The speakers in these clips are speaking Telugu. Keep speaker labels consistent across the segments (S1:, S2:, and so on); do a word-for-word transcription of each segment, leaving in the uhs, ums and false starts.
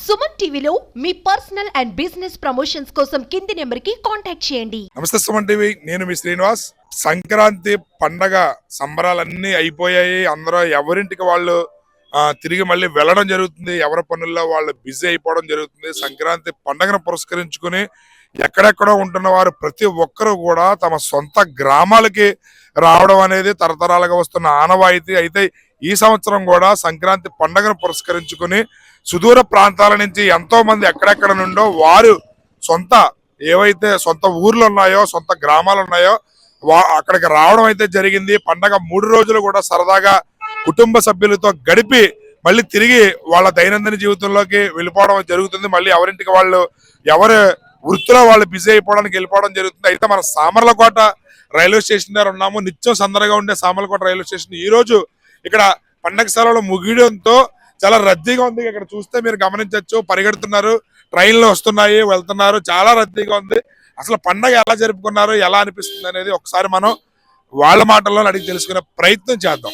S1: సుమన్ టీవీలో మీ పర్సనల్ అండ్ బిజినెస్ ప్రమోషన్స్ కోసం కింది నెంబర్ కి కాంటాక్ట్ చేయండి.
S2: నమస్తే సుమన్ టీవీ, నేను మీ శ్రీనివాస్. సంక్రాంతి పండగ సంబరాలన్నీ అయిపోయాయి. అందరూ ఎవరింటికి వాళ్ళు తిరిగి మళ్ళీ వెళ్ళడం జరుగుతుంది. ఎవరి పనుల్లో వాళ్ళు బిజీ అయిపోవడం జరుగుతుంది. సంక్రాంతి పండగను పురస్కరించుకుని ఎక్కడెక్కడో ఉంటున్న వారు ప్రతి ఒక్కరూ కూడా తమ సొంత గ్రామాలకి రావడం అనేది తరతరాలుగా వస్తున్న ఆనవాయితీ. అయితే ఈ సంవత్సరం కూడా సంక్రాంతి పండుగను పురస్కరించుకుని సుదూర ప్రాంతాల నుంచి ఎంతో మంది ఎక్కడెక్కడ నుండో వారు సొంత ఏవైతే సొంత ఊర్లు ఉన్నాయో, సొంత గ్రామాలు ఉన్నాయో వా అక్కడికి రావడం అయితే జరిగింది. పండగ మూడు రోజులు కూడా సరదాగా కుటుంబ సభ్యులతో గడిపి మళ్ళీ తిరిగి వాళ్ళ దైనందిన జీవితంలోకి వెళ్ళిపోవడం జరుగుతుంది. మళ్ళీ ఎవరింటికి వాళ్ళు ఎవరి వృత్తిలో వాళ్ళు బిజీ అయిపోవడానికి వెళ్ళిపోవడం జరుగుతుంది. అయితే మన సామర్లకోట రైల్వే స్టేషన్ దగ్గర ఉన్నాము. నిత్యం సందడిగా ఉండే సామర్లకోట రైల్వే స్టేషన్ ఈ రోజు ఇక్కడ పండగ సెలవులు ముగియడంతో చాలా రద్దీగా ఉంది. ఇక్కడ చూస్తే మీరు గమనించవచ్చు, పరిగెడుతున్నారు, ట్రైన్లు వస్తున్నాయి, వెళ్తున్నారు, చాలా రద్దీగా ఉంది. అసలు పండగ ఎలా జరుపుకున్నారు, ఎలా అనిపిస్తుంది అనేది ఒకసారి మనం వాళ్ళ మాటల్లో అడిగి తెలుసుకునే ప్రయత్నం చేద్దాం.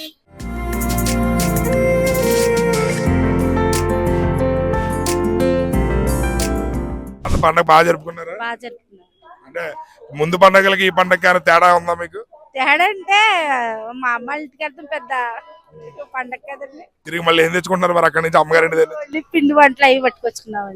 S2: పండగ బాగా జరుపుకున్నారా? అంటే ముందు పండగలకి ఈ పండగకి ఏమైనా తేడా ఉందా మీకు?
S3: తేడా అంటే మా అమ్మ ఇంటికి వెళ్తాం, పెద్ద పండగ కదండి.
S2: తిరిగి మళ్ళీ ఏం తెచ్చుకుంటున్నారు మరి అక్కడి నుంచి? అమ్మగారి
S3: పిండి వంటలు అవి పట్టుకొచ్చుకున్నాం.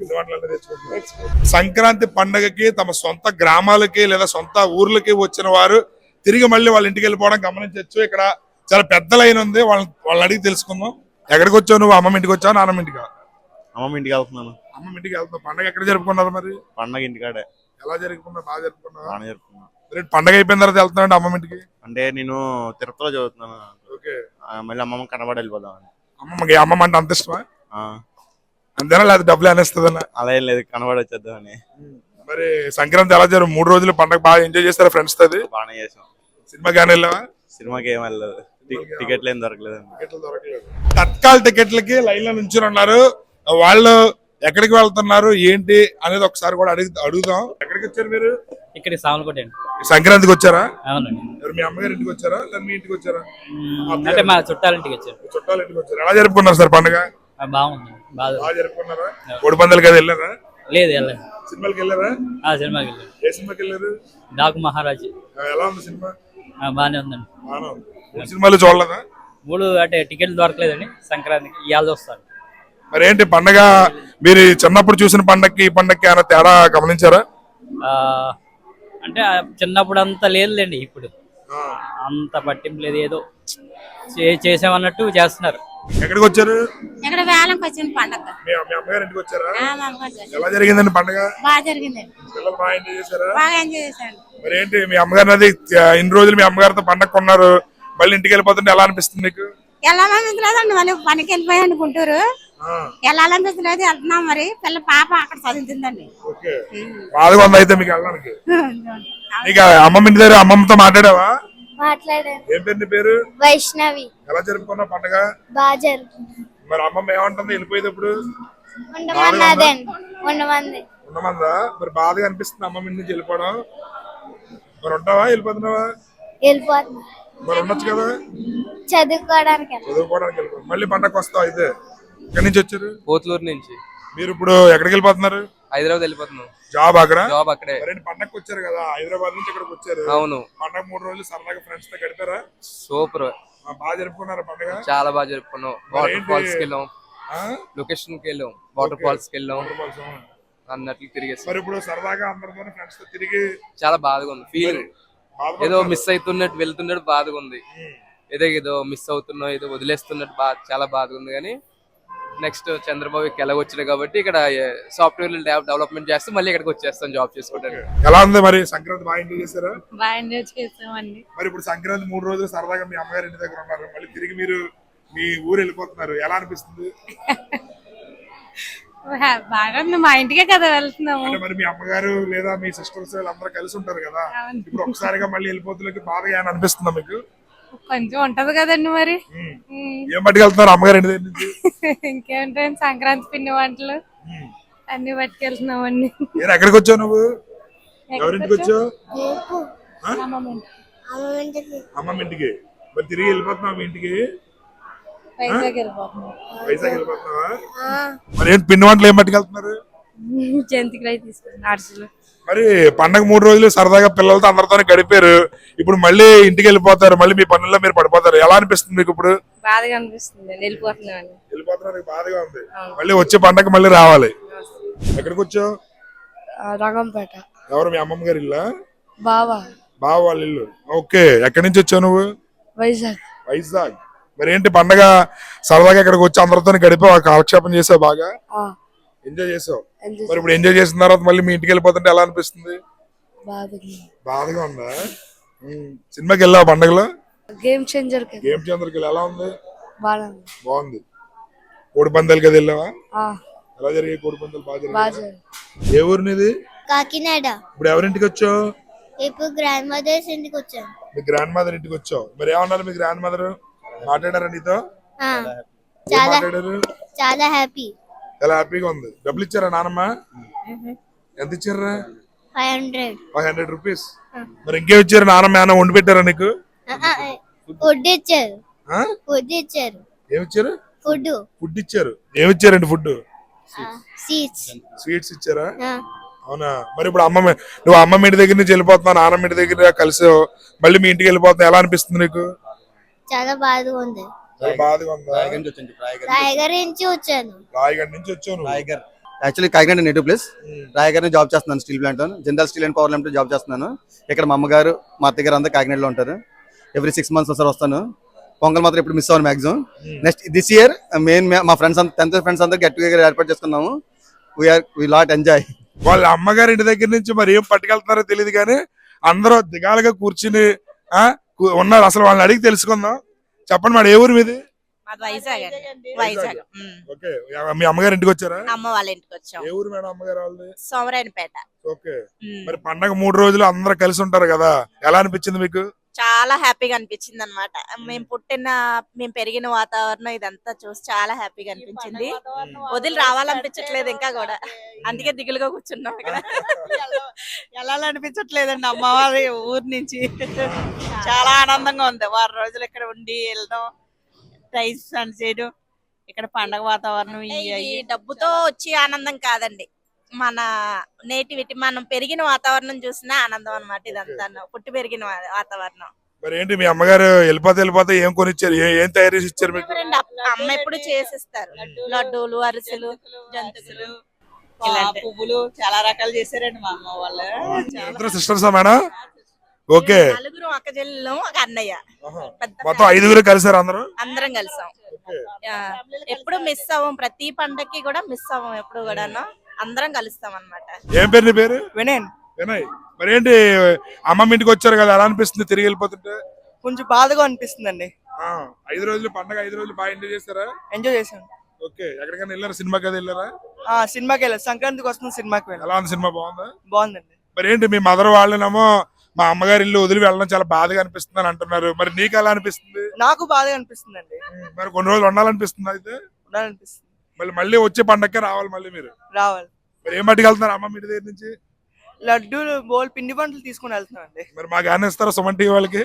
S2: సంక్రాంతి పండగకి తమ సొంత గ్రామాలకి లేదా సొంత ఊర్లకి వచ్చిన వారు తిరిగి మళ్ళీ వాళ్ళ ఇంటికి వెళ్ళిపోవడం గమనించవచ్చు. ఇక్కడ చాలా పెద్ద లైన్ ఉంది, వాళ్ళ వాళ్ళని అడిగి తెలుసుకుందాం. ఎక్కడికి వచ్చావు నువ్వు? అమ్మమ్మ ఇంటికి వచ్చావు, నాన్నమ్మ ఇంటికి?
S4: అమ్మమ్మ ఇంటికి వెళ్తున్నాను.
S2: అమ్మమ్మ ఇంటికి వెళ్తున్నావు. పండగ ఎక్కడ జరుపుకున్నారు మరి?
S4: పండగ ఇంటికాడే.
S2: ఎలా జరుపుకున్నారు? బాగా జరుపుకున్నారు?
S4: బాగా జరుపుకున్నా.
S2: పండగ అయిపోయిన తర్వాత వెళ్తున్నావు అమ్మమ్మ ఇంటికి?
S4: అంటే నేను తిరుపతిలో చదువుతున్నాను.
S2: ఓకే.
S4: మళ్ళీ అమ్మమ్మ కనబడి వెళ్ళిపోదాం.
S2: అమ్మమ్మకి అమ్మమ్మ అంటే అంత ఇష్టమా? అంతేనా, లేదా డబ్బులు అనేస్తుందన్నా?
S4: అలా ఏం లేదు, కనబడి వచ్చేద్దామని.
S2: మరి సంక్రాంతి ఎలా జరుపు? మూడు రోజులు పండగ బాగా ఎంజాయ్ చేస్తారా ఫ్రెండ్స్ తో?
S4: బాగానే చేసాం.
S2: సినిమా కానీ వెళ్ళావా?
S4: సినిమాకి ఏం వెళ్ళలేదు, టికెట్లు ఏం దొరకలేదు.
S2: తత్కాల్ టికెట్లకి లైన్ లో నుంచి ఉన్నారు. వాళ్ళు ఎక్కడికి వెళ్తున్నారు ఏంటి అనేది ఒకసారి కూడా అడిగి అడుగుదాం. ఎక్కడికి వచ్చారు మీరు?
S5: ఇక్కడ సామలకోట.
S2: సంక్రాంతికి వచ్చారా?
S5: అవునండి.
S2: మీ అమ్మగారి ఇంటికి వచ్చారా లేదా మీ ఇంటికి వచ్చారా?
S5: అంటే మా చుట్టాల ఇంటికి వచ్చారు.
S2: చుట్టాల ఇంటికి వచ్చారు. ఎలా జరుపుకున్నారు సార్ పండుగ?
S5: బాగుంది, బాగా
S2: జరుపుకున్నారా? కోడి పందాలకి అది వెళ్ళారా?
S5: లేదు, వెళ్ళలేదు.
S2: సినిమాకి వెళ్ళారా?
S5: సినిమాకి వెళ్ళారు.
S2: ఏ సినిమాకి వెళ్ళారు?
S5: డాకు మహారాజ్.
S2: ఎలా ఉంది సినిమా?
S5: బాగానే ఉందండి.
S2: మూడు సినిమాలు చూడలేదా?
S5: మూడు అంటే టికెట్లు దొరకలేదండి. సంక్రాంతికి ఇవాళ వస్తారు.
S2: మరి ఏంటి పండగ మీరు చిన్నప్పుడు చూసిన పండగకి ఈ పండగకి ఏమైనా తేడా గమనించారా?
S5: అంటే చిన్నప్పుడు అంత లేదులేండి, ఇప్పుడు అంత పట్టింపు లేదు. ఏదో చేసామన్నట్టు చేస్తున్నారు.
S2: ఎక్కడికి వచ్చారు?
S3: ఇక్కడ వేలంకి వచ్చింది పండగ.
S2: మీ అమ్మగారి ఇంటికి వచ్చారా? ఎలా జరిగిందండి పండగ?
S3: బాగా జరిగిందండి.
S2: పిల్లలు బాగా ఎంజాయ్ చేశారా?
S3: బాగా ఎంజాయ్ చేశాను.
S2: మరి ఏంటి మీ అమ్మగారిని అది ఇన్ని రోజులు మీ అమ్మగారితో పండగ కొన్నారు, మళ్ళీ ఇంటికి వెళ్ళిపోతుంటే ఎలా అనిపిస్తుంది మీకు?
S3: వెళ్ళాలనిపించలేదండి, మళ్ళీ పనికి వెళ్ళిపోయాను గుంటూరు. వెళ్ళాలనిపించలేదు, వెళ్తున్నాం. మరి పిల్ల పాప అక్కడ చదువుతుందండి.
S2: బాధగా ఉంది అయితే మీకు వెళ్ళడానికి? నీకు అమ్మమ్మ ఇంటి దగ్గర అమ్మమ్మతో మాట్లాడావా?
S6: మాట్లాడాను.
S2: ఏం పేరు నీ పేరు?
S6: వైష్ణవి.
S2: ఎలా జరుపుకున్నావు పండగ?
S6: బాగా జరుపుకున్నాం.
S2: మరి అమ్మమ్మ ఏమంటుంది వెళ్ళిపోయేటప్పుడు?
S6: ఉండమన్నదండి. ఉండమంది.
S2: ఉండమందా? మరి బాధగా అనిపిస్తుంది అమ్మమ్మ ఇంటి నుంచి వెళ్ళిపోవడం? మరి ఉంటావా వెళ్ళిపోతున్నావా?
S6: వెళ్ళిపోతున్నా.
S2: మరి ఉండొచ్చు కదా?
S6: చదువుకోవడానికి.
S2: చదువుకోవడానికి వెళ్ళిపో. మళ్ళీ పండగ వస్తావు అయితే? ఎక్కడి నుంచి వచ్చారు?
S7: పోతులూరు నుంచి.
S2: మీరు ఇప్పుడు ఎక్కడికి వెళ్ళిపోతున్నారు?
S7: హైదరాబాద్ వెళ్ళిపోతున్నాం.
S2: జాబ్ అక్కడ?
S7: జాబ్ అక్కడే.
S2: పండగకి వచ్చారు కదా, హైదరాబాద్ నుంచి ఇక్కడికి వచ్చారు.
S7: అవును.
S2: పండగ మూడు రోజులు సరదాగా ఫ్రెండ్స్ తో గడిపారా?
S7: సూపర్.
S2: బాగా జరుపుకున్నారా పండగ?
S7: చాలా బాగా జరుపుకున్నాం. వాటర్ ఫాల్స్ కి వెళ్ళాం, లొకేషన్ కి వెళ్ళాం, వాటర్ ఫాల్స్ కి వెళ్ళాం, అన్నట్లు తిరిగేసి.
S2: మరి ఇప్పుడు సరదాగా అందరితో ఫ్రెండ్స్ తో తిరిగి
S7: చాలా బాధగా ఉంది. ఫీల్ ఏదో మిస్ అవుతున్నట్టు వెళ్తున్నట్టు బాధగా ఉంది. ఏదో ఏదో మిస్ అవుతున్నావు, ఏదో వదిలేస్తున్నట్టు బాధ, చాలా బాధగా ఉంది. కానీ నెక్స్ట్ చంద్రబాబు ఎలాగొచ్చాడు కాబట్టి ఇక్కడ సాఫ్ట్వేర్ డెవలప్మెంట్ చేస్తే మళ్ళీ ఇక్కడికి వచ్చేస్తాం జాబ్ చేసుకోవడానికి.
S2: ఎలా ఉంది మరి సంక్రాంతి? బాగా ఎంజాయ్ చేశారా?
S3: బాగా ఎంజాయ్ చేసామండి.
S2: మరి ఇప్పుడు సంక్రాంతి మూడు రోజులు సరదాగా మీ అమ్మగారి ఇంటి దగ్గర ఉన్నారు, మళ్ళీ తిరిగి మీరు మీ ఊరు వెళ్ళిపోతున్నారు, ఎలా అనిపిస్తుంది?
S3: బాగా ఉంది, మా ఇంటికే కదా వెళ్తున్నాము.
S2: అంటే మరి మీ అమ్మగారు లేదా మీ సిస్టర్స్ అందరూ కలిసి ఉంటారు కదా, ఇప్పుడు ఒకసారిగా మళ్ళీ వెళ్ళిపోతులకి బాధగా ఏమైనా అనిపిస్తుందా మీకు?
S3: కొంచెం ఉంటది కదండి. మరి
S2: ఏం పట్టుకెళ్తున్నారు అమ్మగారు ఇంటి దగ్గర నుంచి?
S3: ఇంకేంటండి, సంక్రాంతి పిండి వంటలు అన్ని పట్టుకెళ్తున్నామండి.
S2: ఎక్కడికి వచ్చావు నువ్వు? ఎవరింటికి వచ్చావు? అమ్మమ్మ ఇంటికి. మరి తిరిగి వెళ్ళిపోతున్నావు మీ ఇంటికి?
S3: వైజాగ్ వెళ్ళిపోతున్నాం.
S2: వైజాగ్ వెళ్ళిపోతున్నావా? మరి ఏంటి పిండి వంటలు ఏం పట్టుకెళ్తున్నారు?
S3: జంతికలు అయితే తీసుకున్నాం, అరిసెలు.
S2: మరి పండగ మూడు రోజులు సరదాగా పిల్లలతో అందరితోనే గడిపారు, ఇప్పుడు మళ్ళీ ఇంటికి వెళ్ళిపోతారు, మళ్ళీ మీ పనుల్లో మీరు పడిపోతారు. ఎలా అనిపిస్తుంది మీకు ఇప్పుడు?
S3: బాధగా అనిపిస్తుంది, వెళ్ళిపోతున్నాను.
S2: వెళ్ళిపోతున్నారు, బాధగా ఉంది. మళ్ళీ వచ్చే పండగ మళ్ళీ రావాలి. ఎక్కడికి వచ్చావు?
S3: రంగంపేట.
S2: ఎవరు మీ అమ్మమ్మ గారి ఇల్లా?
S3: బావా
S2: బావ వాళ్ళ ఇల్లు. ఓకే, ఎక్కడి నుంచి వచ్చావు నువ్వు?
S3: వైజాగ్.
S2: వైజాగ్. మరి ఏంటి పండగ సరదాగా ఇక్కడికి వచ్చి అందరితో గడిపావు, కాలక్షేపం చేసావు, బాగా ఎంజాయ్ చేసావు. మరి ఇప్పుడు ఎంజాయ్ చేసిన తర్వాత మళ్ళీ మీ ఇంటికి వెళ్ళిపోతుంటే ఎలా అనిపిస్తుంది? బాధగా ఉందా? సినిమాకి వెళ్ళావు పండగలో?
S3: Game changer.
S2: గేమ్ చేంజర్కి ఎలా ఉంది? బాగుంది. కోడి పందాలకి అది వెళ్ళావా? ఎలా జరిగాయి కోడి పందాలు? బాగా జరిగాయి. ఏ ఊరు నీది?
S6: కాకినాడ.
S2: ఇప్పుడు ఎవరింటికి వచ్చావు?
S6: ఇప్పుడు గ్రాండ్ మదర్స్ ఇంటికి వచ్చాను.
S2: మీ గ్రాండ్ మదర్ ఇంటికి వచ్చావు. మరి ఏమన్నారు మీ గ్రాండ్ మదర్? మాట్లాడారా నీతో?
S6: చాలా
S2: మాట్లాడారు?
S6: చాలా హ్యాపీ.
S2: చాలా హ్యాపీగా ఉంది. డబ్బులు ఇచ్చారా నానమ్మ? ఎంత ఇచ్చారా?
S6: Five hundred
S2: five hundred rupees. మరి ఇంకేం ఇచ్చారు? నానమ్మ ఏమైనా వండి పెట్టారా నీకు?
S6: ఫుడ్ ఇచ్చారు. ఫుడ్ ఇచ్చారు.
S2: ఏమి ఇచ్చారు?
S6: ఫుడ్.
S2: ఫుడ్ ఇచ్చారు. ఏమి ఇచ్చారండి ఫుడ్?
S6: సీట్స్.
S2: స్వీట్స్ ఇచ్చారా? అవునా. మరి ఇప్పుడు అమ్మ నువ్వు అమ్మమ్మ ఇంటి దగ్గర నుంచి వెళ్ళిపోతున్నావు, నాన్నమ్మ ఇంటి దగ్గర కలిసి మళ్ళీ మీ ఇంటికి వెళ్ళిపోతున్నావు, ఎలా అనిపిస్తుంది నీకు?
S6: చాలా బాధగా ఉంది.
S2: బాధగా ఉందా?
S6: రాయగర్ నుంచి వచ్చాను.
S2: రాయగఢ్ నుంచి వచ్చాను.
S8: Raigarh actually Kakinada native place. Raigarh job చేస్తున్నాను, steel plant, general steel and power limited job చేస్తున్నాను. ఇక్కడ మా అమ్మగారు మా అత్తగారు అంతా కాకినాడలో ఉంటారు. ఎవ్రీ సిక్స్ మంత్స్ ఒకసారి వస్తాను. పొంగల్ మాత్రం ఇప్పుడు మిస్ అవ్వను maximum. Next this year main మా ఫ్రెండ్స్ అంతా టెన్త్ ఫ్రెండ్స్ అంతా గెట్ టుగెదర్ ఏర్పాటు చేసుకున్నాము. We're we lot enjoy.
S2: వాళ్ళ అమ్మగారి ఇంటి దగ్గర నుంచి మరి ఏం పట్టుకెళ్తున్నారో తెలియదు కానీ అందరూ దిగాలుగా కూర్చుని ఆ ఉన్నారు. అసలు వాళ్ళని అడిగి తెలుసుకుందాం. చెప్పండి మేడం, ఏ ఊరు మీది?
S9: వైజాగ్. వైజాగ్.
S2: ఓకే, మీ అమ్మగారి ఇంటికి వచ్చారా?
S9: అమ్మ వాళ్ళ ఇంటికి వచ్చాం.
S2: ఏ ఊరు మేడం అమ్మగారు వాళ్ళది?
S9: సోమరాయనపేట.
S2: ఓకే, మరి పండగ మూడు రోజులు అందరూ కలిసి ఉంటారు కదా, ఎలా అనిపించింది మీకు?
S9: చాలా హ్యాపీగా అనిపించింది అనమాట. మేము పుట్టిన మేము పెరిగిన వాతావరణం ఇదంతా చూసి చాలా హ్యాపీగా అనిపించింది. వదిలి రావాలనిపించట్లేదు ఇంకా కూడా, అందుకే దిగులుగా కూర్చున్నాం ఇక్కడ.
S10: ఎలా అనిపించట్లేదండి అమ్మ వారి ఊరు నుంచి. చాలా ఆనందంగా ఉంది. వారం రోజులు ఇక్కడ ఉండి వెళ్ళడం, టైం స్పెండ్ చేయడం, ఇక్కడ పండగ వాతావరణం.
S9: ఈ డబ్బుతో వచ్చి ఆనందం కాదండి, మన నేటివిటీ, మనం పెరిగిన వాతావరణం చూసిన ఆనందం అన్నమాట. ఇదంతా పుట్టి పెరిగిన వాతావరణం.
S2: మరి ఏంటి మీ అమ్మగారు వెళ్ళిపోతే వెళ్ళిపోతే ఏం కొనిచ్చారు, ఏం తయారు చేసి ఇచ్చారు మీకు?
S9: అమ్మ ఎప్పుడు చేసిస్తారు, లడ్డూలు, అరిసెలు, జంతుకులు,
S10: పువ్వులు చాలా రకాలు చేశారండి మా అమ్మ వాళ్ళు.
S2: సిస్టర్సా మేడం? ఓకే,
S9: నలుగురు అక్క చెల్లెలు, ఒక అన్నయ్య,
S2: మొత్తం ఐదుగురు కలిసారు అందరూ?
S9: అందరం కలిసాం. ఎప్పుడు మిస్ అవ్వం, ప్రతి పండక్కి కూడా మిస్ అవ్వం ఎప్పుడు కూడాను, అందరం కలుస్తాం అన్నమాట.
S2: ఏం పేరు నీ పేరు?
S10: వినయ్.
S2: వినయ్. మరి ఏంటి అమ్మమ్మ ఇంటికి వచ్చారు కదా, ఎలా అనిపిస్తుంది తిరిగి వెళ్ళిపోతుంటే?
S10: కొంచెం బాధగా అనిపిస్తుందండి.
S2: ఐదు రోజులు పండగ, ఐదు రోజులు బాగా ఎంజాయ్ చేస్తారా?
S10: ఎంజాయ్ చేశాను.
S2: ఓకే, ఎక్కడికైనా వెళ్ళారా? సినిమాకి అది వెళ్ళారా?
S10: సినిమాకి వెళ్ళారు, సంక్రాంతికి వస్తుంది సినిమాకి వెళ్ళారు.
S2: ఎలా ఉంది సినిమా? బాగుందా?
S10: బాగుందండి.
S2: మరి ఏంటి మీ మదర్ వాళ్ళనేమో మా అమ్మగారి ఇల్లు వదిలి వెళ్ళడం చాలా బాధగా అనిపిస్తుంది అని అంటున్నారు, మరి నీకు ఎలా అనిపిస్తుంది?
S10: నాకు బాధగా అనిపిస్తుందండి.
S2: మరి కొన్ని రోజులు ఉండాలనిపిస్తుంది అయితే?
S10: ఉండాలనిపిస్తుంది.
S2: మళ్ళీ మళ్ళీ వచ్చే పండగకే రావాలి మళ్ళీ మీరు?
S10: రావాలి.
S2: మరి ఏం పట్టుకెళ్తున్నారు అమ్మ ఇంటి దగ్గర నుంచి?
S10: లడ్డూలు, బోల్ పిండి వంటలు తీసుకుని వెళ్తున్నానండి.
S2: మరి మాకు ఏమైనా ఇస్తారా సుమన్ టీవీ వాళ్ళకి?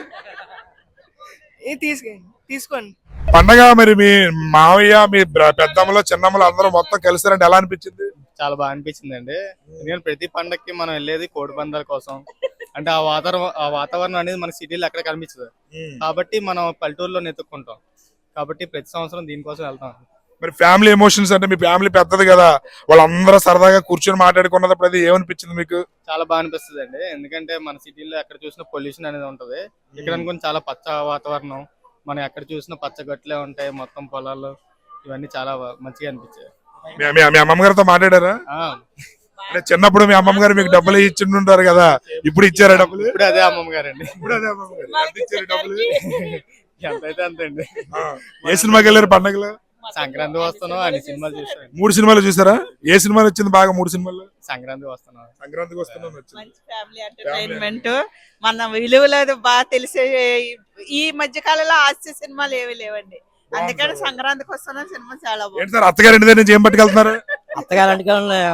S10: తీసుకోండి తీసుకోండి.
S2: పండగ మరి మీ మావయ్య, మీ పెద్దమ్మలో, చిన్నమ్మలో అందరూ మొత్తం కలిసారంటే ఎలా అనిపించింది?
S11: చాలా బాగా అనిపించింది అండి. ఎందుకంటే ప్రతి పండగకి మనం వెళ్ళేది కోడి పందాల కోసం. అంటే ఆ వాతావరణం ఆ వాతావరణం అనేది మన సిటీలో ఎక్కడ కనిపించదు, కాబట్టి మనం పల్లెటూరులో నెతుక్కుంటాం. కాబట్టి ప్రతి సంవత్సరం దీనికోసం వెళ్తాం.
S2: మరి ఫ్యామిలీ ఎమోషన్స్ అంటే మీ ఫ్యామిలీ పెద్దది కదా, వాళ్ళందరూ సరదాగా కూర్చొని మాట్లాడుకున్నప్పుడు అది ఏమనిపించింది మీకు?
S11: చాలా బాగా అనిపిస్తుంది అండి. ఎందుకంటే మన సిటీలో ఎక్కడ చూసినా పొల్యూషన్ అనేది ఉంటది. ఇక్కడ అనుకుని చాలా పచ్చ వాతావరణం, మనం ఎక్కడ చూసినా పచ్చ గట్లే ఉంటాయి, మొత్తం పొలాలు, ఇవన్నీ చాలా మంచిగా అనిపించాయి.
S2: మీ అమ్మమ్మ గారితో మాట్లాడారా? అంటే చిన్నప్పుడు మీ అమ్మమ్మ గారు మీకు డబ్బులు ఇచ్చింటారు కదా, ఇప్పుడు ఇచ్చారా డబ్బులు?
S11: ఇప్పుడు అదే అమ్మమ్మ గారండి.
S2: ఇప్పుడు అదే అమ్మమ్మ గారు. ఎంత ఇచ్చారు డబ్బులు?
S11: ఎంతైతే అంతండి.
S2: ఏ సినిమాకి వెళ్ళారు పండగలో?
S11: సంక్రాంతి వస్తున్నాం అని సినిమాలు చూసాను.
S2: మూడు సినిమాలు చూసారా? ఏ సినిమాలు వచ్చింది బాగా? మూడు సినిమాలు.
S11: సంక్రాంతి వస్తున్నాం.
S2: సంక్రాంతికి వస్తున్నాం.
S10: మంచి ఫ్యామిలీ ఎంటర్టైన్మెంట్, మన విలువలు బాగా తెలిసే. ఈ మధ్య కాలంలో హాస్య సినిమాలు ఏవి లేవండి, అందుకని సంక్రాంతికి వస్తున్న సినిమా చాలా బాగుంది.
S2: సార్ అత్తగారి ఇంటి దగ్గర నుంచి ఏం పట్టుకెళ్తున్నారు?
S12: అత్తగారింటికి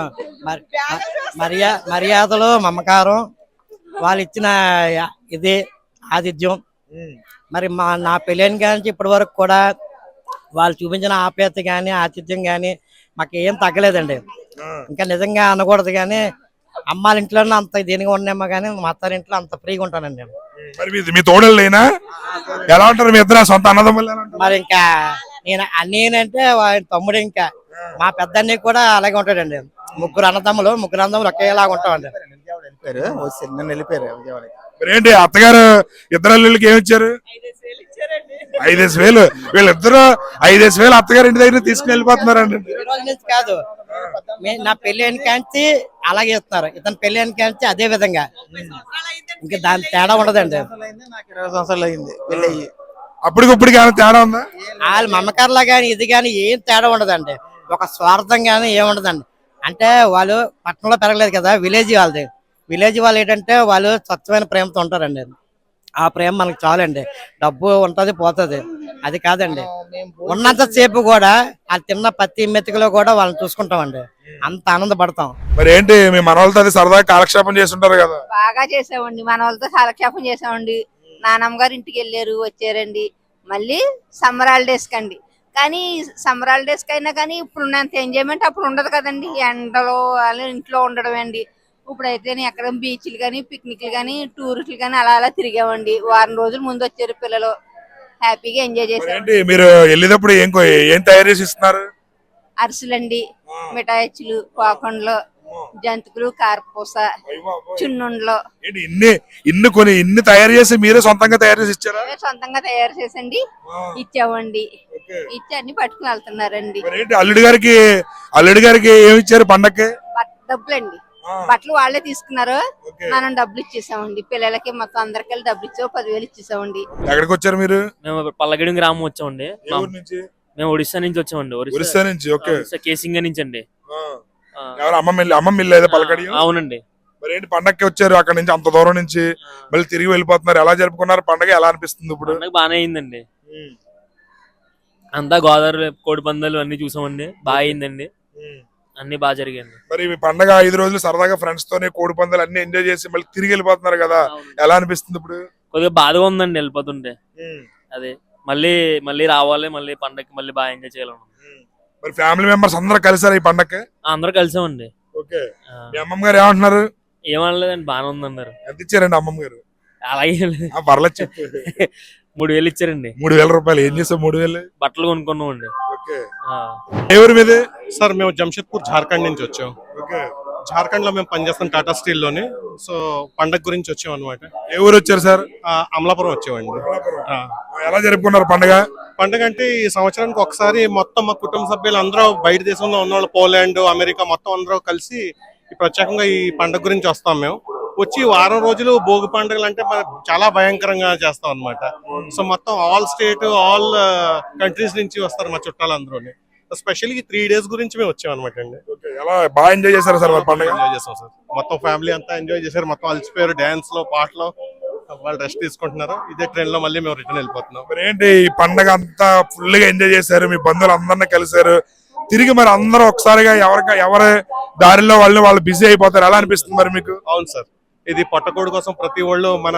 S12: మర్యా మర్యాదలు, మమకారం, వాళ్ళు ఇచ్చిన ఇది ఆతిథ్యం. మరి మా నా పెళ్ళైన కాడి నుంచి ఇప్పటి వరకు కూడా వాళ్ళు చూపించిన ఆప్యాయత కానీ ఆతిథ్యం కానీ మాకు ఏం తగ్గలేదండి. ఇంకా నిజంగా అనకూడదు కానీ అమ్మాళ్ళ ఇంట్లోనే అంత దీనిగా ఉన్నామో కానీ మా అత్తారింట్లో అంత ఫ్రీగా ఉంటానండి నేను.
S2: మరి మీ- మీ తోడలు లేనా ఎలా ఉంటారు మీ ఇద్దరు సొంత అన్నదమ్ములు ఎలా ఉంటారు?
S12: మరి ఇంకా నేను నేనంటే వాడి తమ్ముడు, ఇంకా మా పెద్ద అన్నయ్య కూడా అలాగే ఉంటాడండి. ముగ్గురు అన్నదమ్ములు ముగ్గురు అన్నదమ్ములు ఒకేలాగా ఉంటామండి.
S8: నిన్న వెళ్ళిపోయారు విజయవాడ.
S2: మరి ఏంటి అత్తగారు ఇద్దరు అల్లుళ్ళకి ఏమి ఇచ్చారు? ఐదేసి వేలు. వీళ్ళిద్దరు ఐదేసి వేలు అత్తగారు ఇంటి దగ్గర తీసుకుని వెళ్ళిపోతున్నారండి.
S12: ఈ రోజు నుంచి కాదు, మే- నా పెళ్లి అయిన కాంచి అలాగే ఇస్తున్నారు, ఇతను పెళ్లి అయిన కాంచి అదే విధంగా. ఇంకా దాని తేడా ఉండదండి.
S8: నాకు ఇరవై సంవత్సరాలు అయింది పెళ్లి అయ్యి.
S2: అప్పటికప్పుడు ఏమైనా తేడా ఉందా?
S12: వాళ్ళ మమకారులా కానీ ఇది కానీ ఏం తేడా ఉండదండి. ఒక స్వార్థం కానీ ఏముండదండి. అంటే వాళ్ళు పట్టణంలో పెరగలేదు కదా, విలేజ్ వాళ్ళది. విలేజ్ వాళ్ళు ఏంటంటే వాళ్ళు స్వచ్ఛమైన ప్రేమతో ఉంటారండి. ఆ ప్రేమ మనకు చాలండి. డబ్బు ఉంటది పోతుంది అది కాదండి. ఉన్నంత సేపు కూడా వాళ్ళు తిన్న ప్రతి మెతుకులో కూడా వాళ్ళని చూసుకుంటామండి. అంత ఆనందపడతాం.
S2: మరి ఏంటి మీ మనవాళ్ళతో అది సరదాగా కాలక్షేపం చేస్తుంటారు కదా?
S3: బాగా చేసామండి, మన వాళ్ళతో కాలక్షేపం చేసామండి. నానమ్మ గారు ఇంటికి వెళ్ళారు, వచ్చారండి. మళ్ళీ సమ్మర్ హాలిడేస్ కండి. కానీ సమ్మర్ హాలిడేస్ కైనా కానీ ఇప్పుడు ఉన్నంత ఎంజాయ్మెంట్ అప్పుడు ఉండదు కదండి. ఎండలో వాళ్ళు ఇంట్లో ఉండడం అండి. ఇప్పుడైతే ఎక్కడ బీచ్లు కానీ పిక్నిక్లు కానీ టూరిస్టులు కానీ అలా అలా తిరిగామండి. వారం రోజుల ముందు వచ్చారు పిల్లలు, హ్యాపీగా ఎంజాయ్
S2: మరి
S3: చేశారు.
S2: ఏంటి మీరు వెళ్ళేటప్పుడు ఏం కో- ఏం తయారు చేసి ఇస్తున్నారు?
S3: అరిసెలండి, మిఠాయిలు, పాకుండలు, జంతికలు, కారపూస, చున్నుండలు
S2: ఏంటి ఇన్ని ఇన్ని కొని ఇన్ని తయారు చేసి మీరే సొంతంగా తయారు చేసి ఇచ్చారా?
S3: సొంతంగా తయారు చేసండి ఇచ్చామండి. ఇచ్చి అన్ని పట్టుకుని వెళ్తున్నారండి.
S2: మరి ఏంటి అల్లుడి గారికి అల్లుడి గారికి ఏమి ఇచ్చారు పండక్కి?
S3: బట్- డబ్బులండి, బట్టలు వాళ్ళే తీసుకున్నారు, మనం డబ్బులు ఇచ్చేసామండి. పిల్లలకి మొత్తం అందరికి డబ్బులు ఇచ్చావు, పదివేలు ఇచ్చేసామండి.
S2: ఎక్కడికి వచ్చారు మీరు?
S5: మేము పల్లగడి గ్రామం వచ్చామండి.
S2: ఏ ఊరు నుంచి?
S5: మేము ఒడిశా నుంచి వచ్చామండి.
S2: ఒరిస్సా నుంచి. ఓకే.
S5: కేసింగ నుంచి అండి.
S2: ఆ. ఎవరు అమ్మమ్మ ఇల్లు అమ్మమ్మ ఇల్లు ఏదో పలకడి?
S5: అవునండి.
S2: మరి ఏంటి పండక్కి వచ్చారు అక్కడ నుంచి అంత దూరం నుంచి మళ్ళీ తిరిగి వెళ్ళిపోతున్నారు, ఎలా జరుపుకున్నారు పండగ? ఎలా అనిపిస్తుంది ఇప్పుడు?
S5: పండగ బాగానే అయిందండి. అంతా గోదావరి కోడి పందాలు అన్ని చూసామండి, బాగా అయిందండి, అన్ని బాగా జరిగాయండి.
S2: మరి మీ పండగ ఐదు రోజులు సరదాగా ఫ్రెండ్స్ తోనే కోడి పందాలు అన్ని ఎంజాయ్ చేసి మళ్ళీ తిరిగి వెళ్ళిపోతున్నారు కదా, ఎలా అనిపిస్తుంది ఇప్పుడు?
S5: కొద్దిగా బాధగా ఉందండి వెళ్ళిపోతుంటే. అదే మళ్ళీ మళ్ళీ రావాలి, మళ్ళీ పండగకి మళ్ళీ బాగా ఎంజాయ్ చేయాలను.
S2: మరి ఫ్యామిలీ మెంబర్స్ అందరూ కలిసారు ఈ పండగకి?
S5: అందరూ కలిసామండి.
S2: ఓకే. మీ అమ్మమ్మ గారు ఏమంటున్నారు?
S5: ఏమనలేదండి, బాగానే ఉందన్నారు.
S2: ఎంత ఇచ్చారండి అమ్మమ్మ గారు?
S5: అలాగే
S2: పర్లేదు చెప్పు.
S5: మూడు వేలు ఇచ్చారండి.
S2: మూడు వేల రూపాయలు ఏం చేసావు? మూడు వేలు
S5: బట్టలు కొనుక్కున్నాం అండి.
S2: ఓకే. ఎవరి మీద?
S11: సార్ మేము జంషెద్పూర్ జార్ఖండ్ నుంచి వచ్చాం.
S2: ఓకే.
S11: జార్ఖండ్ లో మేము పనిచేస్తాం టాటా స్టీల్ లోని. సో పండగ గురించి వచ్చాం అనమాట.
S2: ఏ ఊరు వచ్చారు సార్?
S11: అమలాపురం వచ్చామండి. ఆ.
S2: ఎలా జరుపుకున్నారు పండగ?
S11: పండగ అంటే ఈ సంవత్సరానికి ఒకసారి మొత్తం మా కుటుంబ సభ్యులు అందరూ బయట దేశంలో ఉన్న వాళ్ళు, పోలాండ్, అమెరికా మొత్తం అందరూ కలిసి ఈ ప్రత్యేకంగా ఈ పండగ గురించి వస్తాం. మేము వచ్చి వారం రోజులు భోగి పండుగలు అంటే మనకు చాలా భయంకరంగా చేస్తాం అన్నమాట. సో మొత్తం ఆల్ స్టేట్ ఆల్ కంట్రీస్ నుంచి వస్తారు మా చుట్టాలు అందరూ. స్పెషల్ త్రీ డేస్ గురించి మేము వచ్చాం అనమాట అండి.
S2: ఎలా బాగా ఎంజాయ్ చేశారు సార్ పండుగ?
S11: ఎంజాయ్ చేస్తాం సార్, మొత్తం ఫ్యామిలీ అంతా ఎంజాయ్ చేశారు. మొత్తం అలసిపోయారు డాన్స్ లో, పాటలో. వాళ్ళు రెస్ట్ తీసుకుంటున్నారు. ఇదే ట్రైన్ లో మళ్ళీ మేము రిటర్న్ వెళ్ళిపోతున్నాం.
S2: మరి ఏంటి ఈ పండగ అంతా ఫుల్ గా ఎంజాయ్ చేశారు, మీ బంధువులు అందరినీ కలిసారు, తిరిగి మరి అందరూ ఒకసారిగా ఎవరికి ఎవరి దారిలో వాళ్ళు వాళ్ళు బిజీ అయిపోతారు, ఎలా అనిపిస్తుంది మరి మీకు?
S11: అవును సార్, ఇది పొట్టకోడి కోసం ప్రతి ఒళ్ళు మన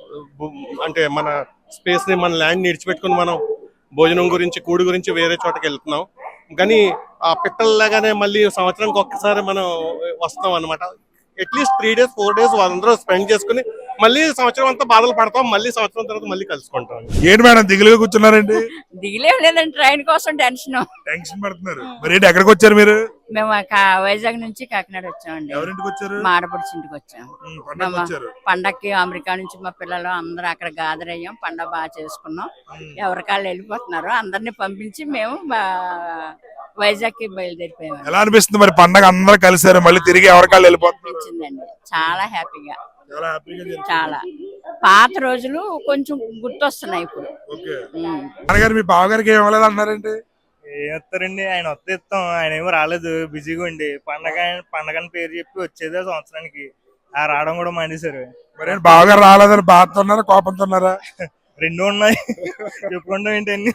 S11: అంటే మన స్పేస్ ని, మన ల్యాండ్ ని ఇడిచిపెట్టుకుని మనం భోజనం గురించి, కూడి గురించి వేరే చోటకి వెళ్తున్నాం. కానీ ఆ పిట్టల్లాగానే మళ్ళీ సంవత్సరానికి ఒక్కసారి మనం వస్తాం అనమాట. At least three days four days వాళ్ళందరూ స్పెండ్ చేసుకుని మళ్ళీ సంవత్సరం అంతా బాధలు పడతాం, మళ్ళీ సంవత్సరం తర్వాత మళ్ళీ కలుసుకుంటాం.
S2: ఏంటి మేడం దిగులుగా కూర్చున్నారండి?
S10: దిగిలేం లేదండి, ట్రైన్ కోసం టెన్షన్
S2: టెన్షన్ పడుతున్నారు. మరి ఏంటి ఎక్కడికి వచ్చారు మీరు?
S10: మేము వైజాగ్ నుంచి కాకినాడ వచ్చామండి.
S2: ఎవరింటికి వచ్చారు?
S10: మా ఆడపడుచు ఇంటికి వచ్చాము.
S2: పండగకి వచ్చారు.
S10: పండక్కి అమెరికా నుంచి మా పిల్లలు అందరూ అక్కడ గ్యాదర్ అయ్యాం, పండగ బాగా చేసుకున్నాం. ఎవరికాళ్ళు వెళ్ళిపోతున్నారు, అందరినీ పంపించి మేము వైజాగ్ కి బయలుదేరిపోయాము.
S2: ఎలా అనిపిస్తుంది మరి పండగ అందరూ కలిసారు, మళ్ళీ తిరిగి ఎవరికాళ్ళు వెళ్ళిపోతున్నారు?
S10: చాలా హ్యాపీగా,
S2: చాలా హ్యాపీగా
S10: చాలా పాత రోజులు కొంచెం గుర్తొస్తున్నాయి ఇప్పుడు.
S2: నాన్నగారు మీ బావగారికి ఏం ఇవ్వలేదు అన్నారండి?
S13: ఏం వస్తారండి, ఆయన వస్తే ఇస్తాం, ఆయన ఏమో రాలేదు, బిజీగా ఉండి. పండగ పండగని పేరు చెప్పి వచ్చేదే సంవత్సరానికి, ఆ రావడం కూడా మానేశారు.
S2: మరి బావగారు రాలేదని బాధతో ఉన్నారా, కోపంతో ఉన్నారా?
S13: రెండు ఉన్నాయి, చెప్పుకుంటాం ఏంటండి.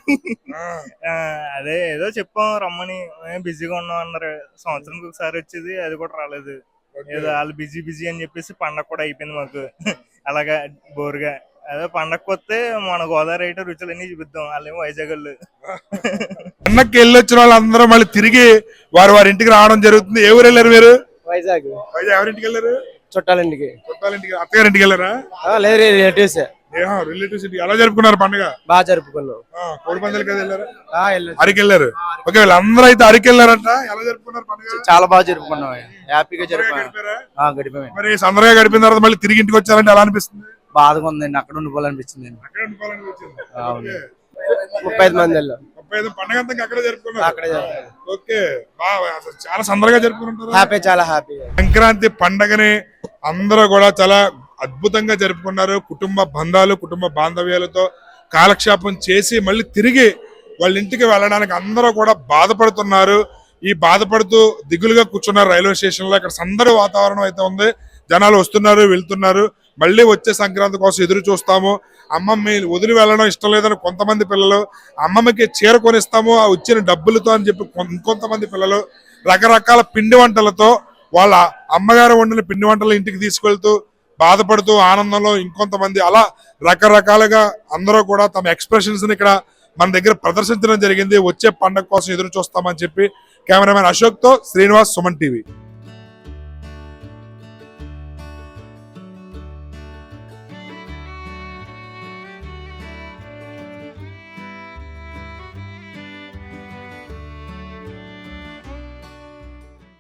S13: అదే ఏదో చెప్పాం రమ్మని, బిజీగా ఉన్నాం అన్నారు. సంవత్సరానికి ఒకసారి వచ్చేది, అది కూడా రాలేదు. ఏదో వాళ్ళు బిజీ బిజీ అని చెప్పేసి పండగ కూడా అయిపోయింది మాకు అలాగా బోరుగా. అదే పండగకి వస్తే మన గోదావరి అయితే రుచులన్నీ చూపిద్దాం. వాళ్ళేమో వైజాగ్ వాళ్ళు.
S2: పండగకి వెళ్ళి వచ్చిన వాళ్ళందరూ మళ్ళీ తిరిగి వారి వారి ఇంటికి రావడం జరుగుతుంది. ఏ ఊరు వెళ్ళారు మీరు?
S12: వైజాగ్.
S2: వైజాగ్ ఎవరింటికి వెళ్ళారు?
S12: చుట్టాలింటికి.
S2: చుట్టాలింటికి. అత్తగారింటికి వెళ్ళారా?
S12: లేదు రిలేటివ్స్.
S2: రిలేటివ్స్ ఇంటికి. ఎలా జరుపుకున్నారు పండుగ?
S12: బాగా జరుపుకున్నాం.
S2: కోడి పందాలు కదా వెళ్ళారు? అరికి వెళ్ళారు. ఓకే, వీళ్ళందరూ అయితే అరికి వెళ్ళారంట. ఎలా జరుపుకున్నారు పండుగ?
S12: చాలా బాగా జరుపుకున్నాం. హ్యాపీగా జరుపుకున్నాం. గడిపాము.
S2: మరి సందర్గా గడిపిన తర్వాత మళ్ళీ తిరిగి ఇంటికి వచ్చారంటే ఎలా అనిపిస్తుంది?
S12: బాధగా ఉందండి. అక్కడ ఉండిపోవాలనిపించింది.
S2: అక్కడ ఉండిపోవాలనిపించింది.
S12: ముప్పై ఐదు మంది వెళ్ళాం.
S2: ముప్పై ఐదు పండుగ అంతా అక్కడే జరుపుకున్నారు.
S12: అక్కడే జరుపుకున్నాం.
S2: ఓకే, బాగా అసలు చాలా సందర్గా జరుపుకుంటారు.
S12: హ్యాపీ, చాలా హ్యాపీ.
S2: సంక్రాంతి పండగని అందరూ కూడా చాలా అద్భుతంగా జరుపుకున్నారు. కుటుంబ బంధాలు, కుటుంబ బాంధవ్యాలతో కాలక్షేపం చేసి మళ్ళీ తిరిగి వాళ్ళ ఇంటికి వెళ్ళడానికి అందరూ కూడా బాధపడుతున్నారు. ఈ బాధపడుతూ దిగులుగా కూర్చున్నారు రైల్వే స్టేషన్ లో. ఇక్కడ సందడి వాతావరణం అయితే ఉంది. జనాలు వస్తున్నారు, వెళ్తున్నారు. మళ్ళీ వచ్చే సంక్రాంతి కోసం ఎదురు చూస్తాము. అమ్మమ్మ వదిలి వెళ్ళడం ఇష్టం లేదని కొంతమంది పిల్లలు, అమ్మమ్మకి చీర కొనిస్తాము ఆ వచ్చిన డబ్బులతో అని చెప్పి ఇంకొంతమంది పిల్లలు రకరకాల పిండి వంటలతో వాళ్ళ అమ్మగారు వండిన పిండి వంటలు ఇంటికి తీసుకెళ్తూ బాధపడుతూ ఆనందంలో ఇంకొంతమంది అలా రకరకాలుగా అందరూ కూడా తమ ఎక్స్ప్రెషన్స్ ని ఇక్కడ మన దగ్గర ప్రదర్శించడం జరిగింది. వచ్చే పండుగ కోసం ఎదురు చూస్తామని చెప్పి కెమెరామెన్ అశోక్ తో శ్రీనివాస్, సుమన్ టీవీ.